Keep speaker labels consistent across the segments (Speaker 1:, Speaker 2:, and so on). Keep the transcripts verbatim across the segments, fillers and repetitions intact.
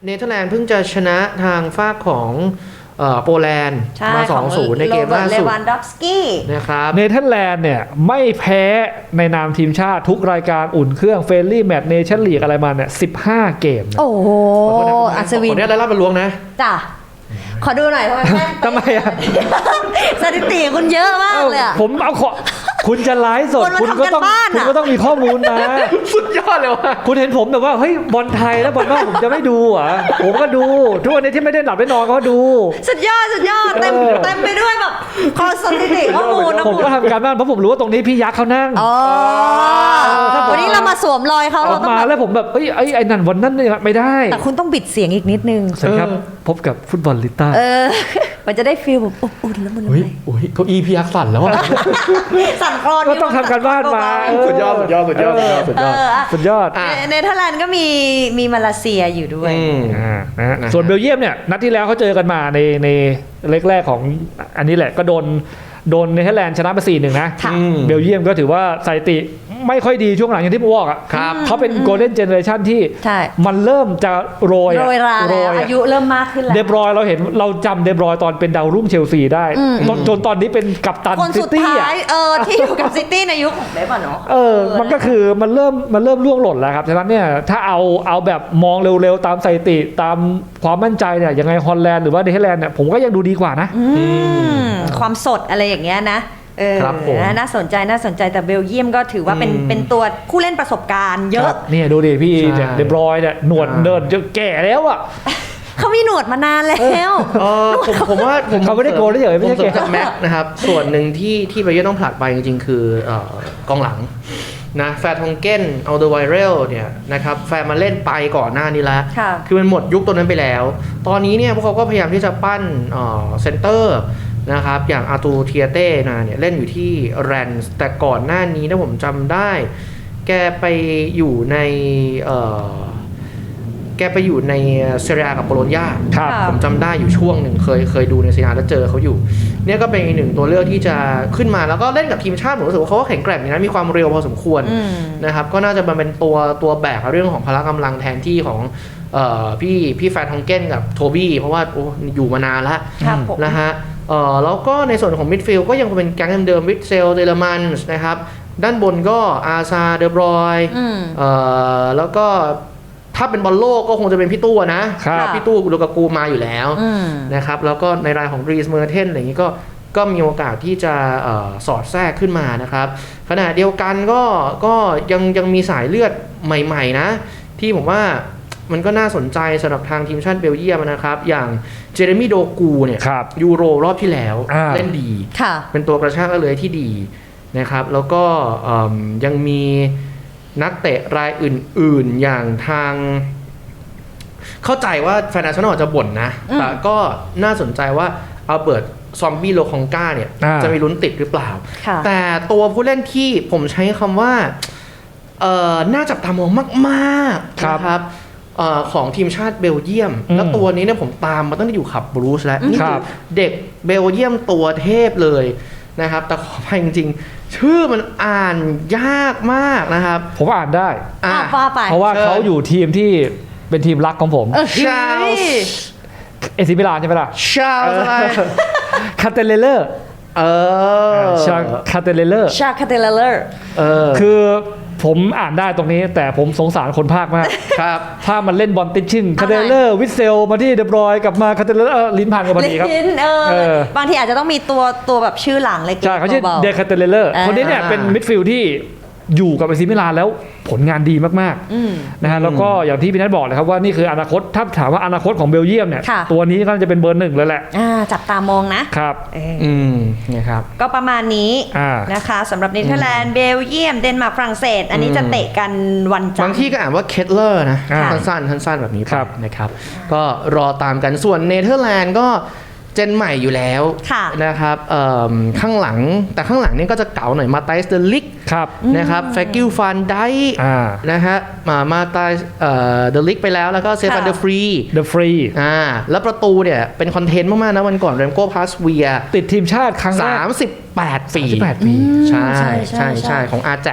Speaker 1: เนเธอร์แลนด์เพิ่งจะชนะทางฝั่งของโปแลนด์มา สองศูนย์ ในเกมล่าสุดนะครับ
Speaker 2: เนเธอร์แลนด์เนี่ยไม่แพ้ในนามทีมชาติทุกรายการอุ่นเครื่องเฟรนลี่แมตช์เนชั่นลีกอะไรมาเนี่ยสิบห้าเกม
Speaker 3: โอ้โหอัศวิน
Speaker 1: ขออนุญาตได้รับมาล้วงนะ
Speaker 3: จ้ะขอดูหน่อยทำไม
Speaker 2: ทำไมอ่ะ
Speaker 3: สถิติคุณเยอะมากเลย
Speaker 2: ผมเอาขอคุณจะไลฟ์สดคุณก็ต้องคุณก็ต้องมีข้อมูลมา
Speaker 1: สุดยอดเลยว่ะ
Speaker 2: คุณเห็นผมแบบว่าเฮ้ยบอลไทยแล้วบอลนอกผมจะไม่ดูอ่ะผมก็ดูทุกวันนี้ที่ไม่ได้หลับได้นอนก็ดู
Speaker 3: สุดยอดสุดยอดเต็มเต็มไปด้วยแบบข้อสถิติข้อมูล
Speaker 2: ผมก็ทำการบ้านเพราะผมรู้ว่าตรงนี้พี่ยักษ์เขานั่ง
Speaker 3: อ๋อวันนี้เรามาสวมรอยเขา
Speaker 2: เราต้องมาแล้วผมแบบเอ้ยไอ้ไอ้นั่นวันนั้นเนี่ยไม่ได้
Speaker 3: แต่คุณต้องบิดเสียงอีกนิดนึง
Speaker 2: ใช่ครับพบกับฟุตบอลลิต้า
Speaker 3: เออมันจะได้ฟีลแบบอบอุ่นแล้วมัน
Speaker 1: เฮ้ยโอ้ยเก้าอี้พี่ยักษ์สั่นแล้วอ่ะ
Speaker 3: สั่นคลอน
Speaker 2: ก็ต้องทำการบ้านมา
Speaker 1: สุดยอดสุดยอดสุดยอดสุดยอด
Speaker 2: สุดยอด
Speaker 3: เนเธอร์แลนด์ก็มีมีมาเลเซียอยู่ด้วย
Speaker 2: ส่วนเบลเยียมเนี่ยนัดที่แล้วเขาเจอกันมาในในเล็กแรกของอันนี้แหละก็โดนโดนเนเธอร์แลนด์ชนะไป สี่หนึ่ง นะเบลเยียมก็ถือว่าสถิติไม่ค่อยดีช่วงหลังอย่างที่ผมบอกอ่ะเขาเป็นโกลเด้นเจเนอเรชันที่มันเริ่มจะโรย
Speaker 3: โรยราแล้วอายุเริ่มมากขึ้นแล้ว
Speaker 2: เดบรอยเราเห็นเราจำเดบรอยตอนเป็นดาวรุ่งเชลซีได้จนตอนนี้เป็นกัปตัน
Speaker 3: ซิตี้อ่ะเออที่อยู่กับซิตี้ในยุคของเดบเนาะ
Speaker 2: เออมันก็คือมันเริ่มมันเริ่มล่วงหล่นแล้วครับฉะนั้นเนี่ยถ้าเอาเอาแบบมองเร็วๆตามสถิติตามความมั่นใจเนี่ยยังไงฮอลแลนด์หรือว่าเนเธอร์แลนด์เนี่ยผมก็ยังดูดีกว่านะ
Speaker 3: ความสดอะไรอย่างเงี้ยนะเออน่าสนใจน่าสนใจแต่เบลเยียมก็ถือว่าเป็นเป็นตัวผู้เล่นประสบการณ์เยอะ
Speaker 2: นี่ดูดิพี่เดบรอยเนี่ยหนวดเดินจะแก่แล้วอ่ะ
Speaker 3: เขามีหนวดมานานแล้ว
Speaker 1: เออผมผมว่าผม
Speaker 2: เขาไม่ได้โกนเฉยไม่ใช่แก่
Speaker 1: จากแม็กนะครับส่วนหนึ่งที่ที่เบลเยียมต้องผลักไปจริงๆคือกองหลังนะแฟร์ทองเก้นอัลเดอร์ไวเรลเนี่ยนะครับแฟร์มาเล่นไปก่อนหน้านี้แล้วคือมันหมดยุคตัวนั้นไปแล้วตอนนี้เนี่ยพวกเขาก็พยายามที่จะปั้นเซนเตอร์นะครับอย่างอาตูเทียเต้นะเนี่ยเล่นอยู่ที่แรนส์แต่ก่อนหน้านี้ถ้าผมจำได้แกไปอยู่ในเอ่อแกไปอยู่ในเซเรียกับโบโลญญาผมจำได้อยู่ช่วงหนึ่งเคยเคยดูในเซเรียแล้วเจอเขาอยู่เนี่ยก็เป็นอีกหนึ่งตัวเลือกที่จะขึ้นมาแล้วก็เล่นกับทีมชาติผมรู้สึกว่าเขาก็แข็งแกร่งนะมีความเร็วพอสมควรนะครับก็น่าจะมาเป็นตัวตัวแบกเรื่องของพละกำลังแทนที่ของพี่พี่แฟร์ทองเก้นกับโทบี้เพราะว่าอยู่มานานแล้วนะฮะเอ่อแล้วก็ในส่วนของมิดฟิลด์ก็ยังคงเป็นแก๊งเดิมๆวิทเซลเดลมันส์นะครับด้านบนก็อาซาเดบรอยเอ่อแล้วก็ถ้าเป็นบอลโลกก็คงจะเป็นพี่ตู้นะพี่ตู้ลูกากูมาอยู่แล้วนะครับแล้วก็ในรายของรีสเมอร์เทนอะไรอย่างนี้ก็ก็มีโอกาสที่จะเอ่อสอดแทรกขึ้นมานะครับขณะเดียวกันก็ก็ยังยังมีสายเลือดใหม่ๆนะที่ผมว่ามันก็น่าสนใจสำหรับทางทีมชาติเบลเยียมนะครับอย่างเจเรมี่โดกูเนี่ยยูโรรอบที่แล้วเล่นดีเป็นตัวกระชากเลยที่ดีนะครับแล้วก็ยังมีนักเตะรายอื่นๆอย่างทางเข้าใจว่าแฟนอาร์เซนอลจะบ่นนะแต่ก็น่าสนใจว่าอัลเบิร์ตซอมบี้โลคองกาเนี่ยจะมีลุ้นติดหรือเปล่าแต่ตัวผู้เล่นที่ผมใช้คำว่าน่าจับตามองมากๆนะครับของทีมชาติเบลเยียมแล้วตัวนี้เนี่ยผมตามมาตั้งแต่อยู่ขับบรูซแล้วนี่คือเด็กเบลเยียมตัวเทพเลยนะครับแต่ขออภัยจริงๆชื่อมันอ่านยากมากนะครับ
Speaker 2: ผมอ่านได้เพราะว่าเขาอยู่ทีมที่เป็นทีมรักของผม
Speaker 1: ชาล
Speaker 2: เอซิมิลานใช่ไหมล่ะ
Speaker 1: ชาลอะไร
Speaker 2: คาเตเลเลอร์
Speaker 1: เออ
Speaker 2: ชาคาเตเลเลอร์
Speaker 3: ชาคาเตเลเลอร์
Speaker 2: เออคือผมอ่านได้ตรงนี้แต่ผมสงสารคนภาคมาก
Speaker 1: ครับ
Speaker 2: ภาคมันเล่นบอลติดชิ่งคาเตเลอร์วิเซลมาที่เดบรอยกลับมาคาเตเลอร์ลิ้นพันกันพอดีครับ
Speaker 3: ลิ้นเออบางทีอาจจะต้องมีตัวตัวแบบชื่อหลังเล็กๆ
Speaker 2: ใช่เขาชื่อเดคาเตเลอร์คนนี้เนี่ยเป็นมิดฟิลด์ที่อยู่กับเอซิมิลานแล้วผลงานดีมากๆนะฮะแล้วก็อย่างที่พี่นัทบอกเลยครับว่านี่คืออนาคตถ้าถามว่าอนาคตของเบลเยียมเนี่ยตัวนี้ก็จะเป็นเบอร์หนึ่งเลยแหละ
Speaker 3: จับตามองนะครับ
Speaker 1: อืมนี่ครับ
Speaker 3: ก็ประมาณนี้นะคะสำหรับเนเธอร์แลนด์เบลเยียมเดนมาร์กฝรั่งเศสอันนี้จะเตะกันวันจันทร์
Speaker 1: บางที่ก็อ่านว่าเคทเลอร์นะสั้นๆสั้นๆแบบนี้นะครับก็รอตามกันส่วนเนเธอร์แลนด์ก็เจนใหม่อยู่แล้วนะครับข้างหลังแต่ข้างหลังนี่ก็จะเก๋าหน่อยมาไตส์เดลิกนะครับแฟกิลฟันไดนะฮะมามาไตส์เดลิกไปแล้วแล้วก็เซฟันเดอฟรี
Speaker 2: เดอฟรี
Speaker 1: อ่าแล้วประตูเนี่ยเป็นคอนเทนต์มากๆนะวันก่อนเรมโก้พาสเวีย
Speaker 2: ติดทีมชาติครั้งแรก
Speaker 1: สามสิบแปดปีใช่ใช่ใช่ของ Ajax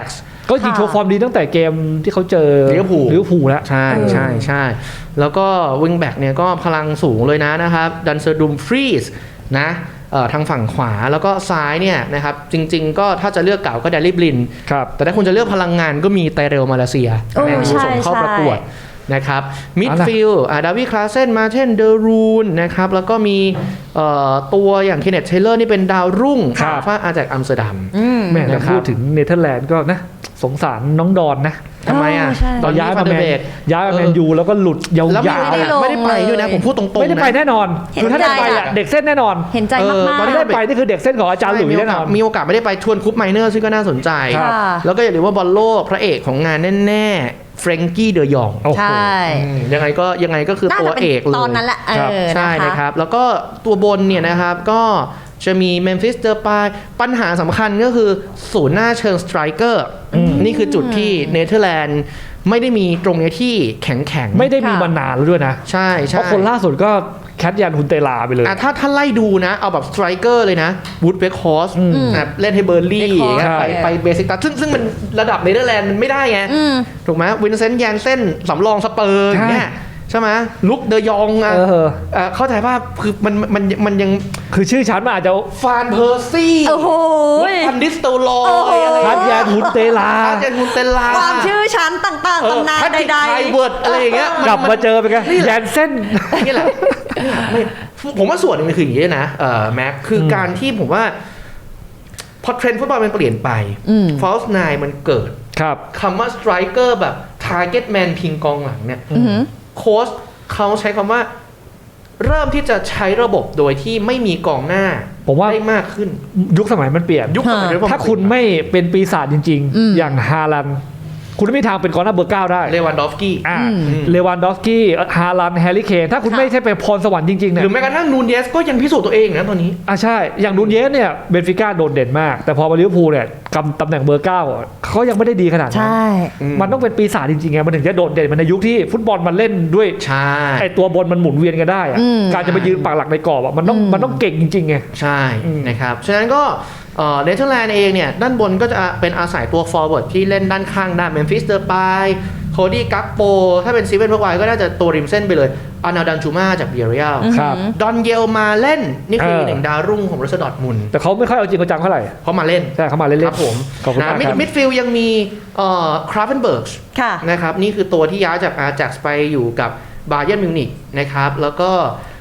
Speaker 2: ก็ยิงโชว์ฟอร์มดีตั้งแต่เกมที่เขาเจอ
Speaker 1: ลิเวอร์พูล
Speaker 2: ลิเวอร์พูลแล้ว
Speaker 1: ใช่ใช่ใช่แล้วก็วิงแบ็กเนี่ยก็พลังสูงเลยนะนะครับดันเซอร์ดุมฟรีสนะทางฝั่งขวาแล้วก็ซ้ายเนี่ยนะครับจริงๆก็ถ้าจะเลือกเก่าก็แดรี่บลินแต่ถ้าคุณจะเลือกพลังงานก็มีไตเรลมาเลเซียแมนยูส่งเข้าประกวดนะครับมิดฟิลด์ดาวิดคลาเซนมาเทนเดอรูนนะครับแล้วก็มีตัวอย่างเคนเนตเทเลอร์นี่เป็นดาวรุ่งฟ้าอาจากอัมสเตอร์ดัม
Speaker 2: แม่แต่พูดถึงเนเธอร์แลนด์ก็นะสงสารน้องดอนนะ
Speaker 1: ทำไมอ่ะ
Speaker 2: ตอนย้ายมาแมนย้ายมาแมนยูแล้วก็หลุดยาวๆ
Speaker 1: ไม่ได้ไปด้วยนะผมพูดตรงๆ
Speaker 2: ไม่ได้ไปแน่นอนคือถ้าได้ไปอ่ะเด็กเส้นแน่นอน
Speaker 3: เห็นใจมากๆ
Speaker 2: ตอนที่ได้ไปนี่คือเด็กเส้นของอาจารย์หลุยแน่นอน
Speaker 1: มีโอกาสไม่ได้ไปชวนคุปไมเนอร์ซึ่งก็น่าสนใจแล้วก็อย่าลืมว่าบอลโลกพระเอกของงานแน่ๆเฟรงกี้เดอยอง
Speaker 3: ใช่
Speaker 1: ยังไงก็ยังไงก็คือตัวเอกเลย
Speaker 3: ตอนนั้นแหละ
Speaker 1: ใช่นะครับแล้วก็ตัวบนเนี่ยนะครับก็จะมีเมมฟิสเดอร์ปายปัญหาสำคัญก็คือศูนย์หน้าเชิงสไตรเกอร์นี่คือจุดที่เนเธอร์แลนด์ไม่ได้มีตรงนี้ที่แข็งแข็ง
Speaker 2: ไม่ได้มีมานานแล้วด้วยนะ
Speaker 1: ใช่ใช่
Speaker 2: เพราะคนล่าสุดก็แคทยันฮุนเตลาไปเลย
Speaker 1: ถ้าถ้าไล่ดูนะเอาแบบสไตรเกอร์เลยนะวูดเบคฮอสเล่นให้เบอร์ลี่ไปไปเบสิกตัสซึ่งซึ่งมันระดับเนเธอร์แลนด์มันไม่ได้ไงถูกไหมวินเซนต์แยนเซ่นสำรองสเปอร์อย่างเงี้ยใช่ไหมลุกเดยองอ่ะเข้าใจว่าคือมันมันมันยัง
Speaker 2: คือชื่อชั้นมันอาจจะ
Speaker 1: ฟานเพอร์ซี่
Speaker 3: โอ้โห
Speaker 1: อันดิสโตลอย
Speaker 2: คัทยานฮุนเตลา
Speaker 1: คัทยานฮุนเตลา
Speaker 3: ความชื่อชั้นต่างๆตำนานใด
Speaker 1: ๆไทเวิร์ดอะไรอย่างเงี้ย
Speaker 2: กลับมาเจอไปกันแยนเส้น
Speaker 1: นี่แหละผมว่าส่วนหนึ่งมันคืออย่างนี้นะเอ่อแม็กคือการที่ผมว่าพอเทรนด์ฟุตบอลมันเปลี่ยนไปฟอลส์ไนน์มันเกิดคำว่าสไตรเกอร์แบบทาร์เก็ตแมนพิงกองหลังเนี่ยโค้ชเขาใช้คำว่าเริ่มที่จะใช้ระบบโดยที่ไม่มีกองหน้า
Speaker 2: ผมว่า
Speaker 1: ได้มากขึ้น
Speaker 2: ยุคสมัยมันเปลี่ยน
Speaker 1: ยุคสมัย
Speaker 2: ถ้าคุณไม่เป็นปีศาจจริงๆอย่างฮาลันคุณไม่มีทางเป็นกองหน้าเบอร์เก้าได้
Speaker 1: เลวันดอฟสกี้
Speaker 2: เลวันดอฟสกี้ฮาลันแฮร์รี่เคนถ้าคุณไม่ใช่เป็นพรสวรรค์จริงๆเนี่ย
Speaker 1: หรือแม้กระทั่งนูนเยสก็ยังพิสูจน์ตัวเองนะตอนนี้
Speaker 2: อ่ะใช่อย่างนูนเยสเนี่ยเบนฟิก้าโดดเด่นมากแต่พอมาลิเวอร์พูลเนี่ยกำตำแหน่งเบอร์เก้าเขายังไม่ได้ดีขนาดนั้นมันต้องเป็นปีศาจจริงๆไงมันถึงจะโดดเด่นมันในยุคที่ฟุตบอลมันเล่นด้วยไอตัวบนมันหมุนเวียนกันได้การจะไปยืนปักหลักในกรอบมันต้องมันต้องเก่งจริงๆไง
Speaker 1: ใช่นะครับฉะนั้นก็เนเธอร์แลนด์เองเนี่ยด้านบนก็จะเป็นอาศัยตัวฟอร์เวิร์ดที่เล่นด้านข้างได้เมมฟิสเดอร์ปายโคดี้กักโปถ้าเป็นซีเวนพวกไวก็น่าจะตัวริมเส้นไปเลยอานาดันจูมาจากเบียร์เรียลดอนเยลมาเล่นนี่คือหนึ่งดาวรุ่งของบรูเซ่ดอร์ทมุนด์
Speaker 2: แต่เขาไม่ค่อยเอาจริงเอาจังเท่าไหร่
Speaker 1: เขามาเล่น
Speaker 2: ใช่เขามาเล่น
Speaker 1: ครับผมนะมิดมิดฟิลด์ยังมีคราฟเฟนเบิร์กนะครับนี่คือตัวที่ย้ายจากอาแจ็กซ์ไปอยู่กับบาเยิร์นมิวนิกนะครับแล้วก็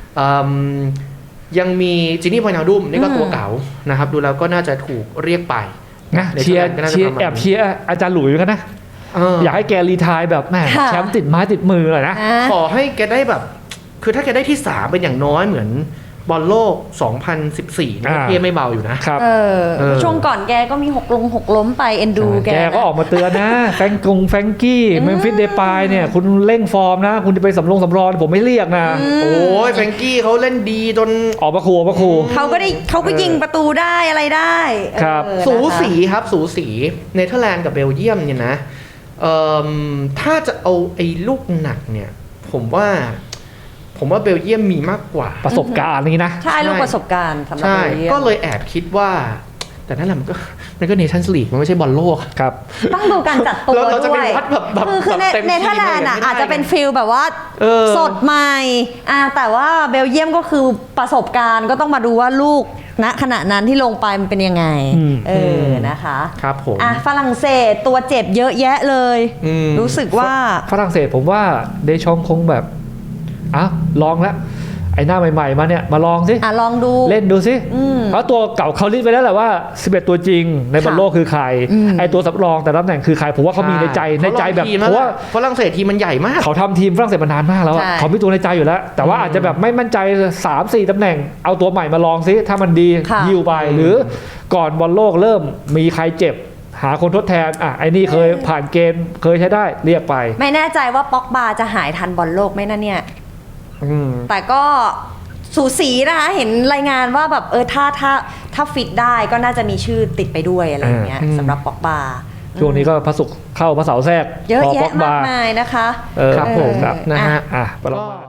Speaker 1: ยังมีจินี่พอยนาดุมนี่ก็ตัวเก่านะครับดูแล้วก็น่าจะถูกเรียกไป
Speaker 2: นะเชียร์เชียร์แอบเชียร์อาจารย์หลุยส์กันนะอยากให้แกรีไทร์แบบแม่แชมป์ติดไม้ติดมือเลยนะ
Speaker 1: ขอให้แกได้แบบคือถ้าแกได้ที่สามเป็นอย่างน้อยเหมือนบอลโลกสองพันสิบสี่นี่เทียไม่เบาอยู่นะครับ
Speaker 3: ช่วงก่อนแกก็มีหกลงหกล้มไปเอ็นดูแก
Speaker 2: แกก็ออกมาเตือนนะแฟงกงแฟงกี้เมมฟิสเดปายเนี่ยคุณเร่งฟอร์มนะคุณจะไปสำรองสำรองผมไม่เรียกนะ
Speaker 1: โอ้ยแฟงกี้เขาเล่นดีจน
Speaker 2: ออกมาขู่มาขู่
Speaker 3: เขาก็ได้เขาก็ยิงประตูได้อะไรได้
Speaker 2: ครับ
Speaker 1: สูสีครับสูสีเนเธอร์แลนด์กับเบลเยียมเนี่ยนะถ้าจะเอาไอ้ลูกหนักเนี่ยผมว่าผมว่าเบลเยียมมีมากกว่า
Speaker 2: ประสบการณ์นี่นะ
Speaker 3: ใช่ลูกประสบการณ์สำหรับเบลเยียม
Speaker 1: ก็เลยแอบคิดว่าแต่นั่นแหละมันก็มันก็เนชั่นส์ลีกมันไม่ใช่บอลโลก
Speaker 2: ครับ
Speaker 3: ต้องดูการจัดตัวด้วยคือคือเนเธอร์แลนด์อาจจะเป็นฟิลแบบว่าสดใหม่แต่ว่าเบลเยียมก็คือประสบการณ์ก็ต้องมาดูว่าลูกณขณะนั้นที่ลงไปมันเป็นยังไงเออนะคะ
Speaker 1: ครับผม
Speaker 3: อ่ะฝรั่งเศสตัวเจ็บเยอะแยะเลยรู้สึกว่า
Speaker 2: ฝรั่งเศสผมว่าเดชองคงแบบอ้าวลองแล้วไอ้หน้าใหม่ๆมาเนี่ยมาลองสิ
Speaker 3: อ่ะลองดู
Speaker 2: เล่นดูสิเพราะตัวเก่าเขาลิสต์ไปแล้วแหละว่าสิบเอ็ดตัวจริงในบอลโลกคือใครไอ้ตัวสำรองแต่ตำแหน่งคือใครผมว่าเขามีในใจในใจแบบเพราะว่า
Speaker 1: ฝรั่งเศสทีมมันใหญ่มาก
Speaker 2: เขาทำทีมฝรั่งเศสมานานมากแล้วเขามีตัวในใจอยู่แล้วแต่ว่าอาจจะแบบไม่มั่นใจ สามสี่ ตำแหน่งเอาตัวใหม่มาลองสิถ้ามันดียิวไปหรือก่อนบอลโลกเริ่มมีใครเจ็บหาคนทดแทนอ่ะไอ้นี่เคยผ่านเกณฑ์เคยใช้ได้เรียกไป
Speaker 3: ไม่แน่ใจว่าป็อกบาจะหายทันบอลโลกไหมนะเนี่ยแต่ก็สูสีนะคะเห็นรายงานว่าแบบเออถ้าถ้าถ้าฟิตได้ก็น่าจะมีชื่อติดไปด้วยอะไรอย่างเงี้ยสำหรับป็อกบา
Speaker 2: ช่วงนี้ก็พระศุกร์เข้าพระเสาร์แทรก
Speaker 3: เยอะแยะมากมายนะคะ
Speaker 2: ครับผมนะฮะอ่ะประมาณ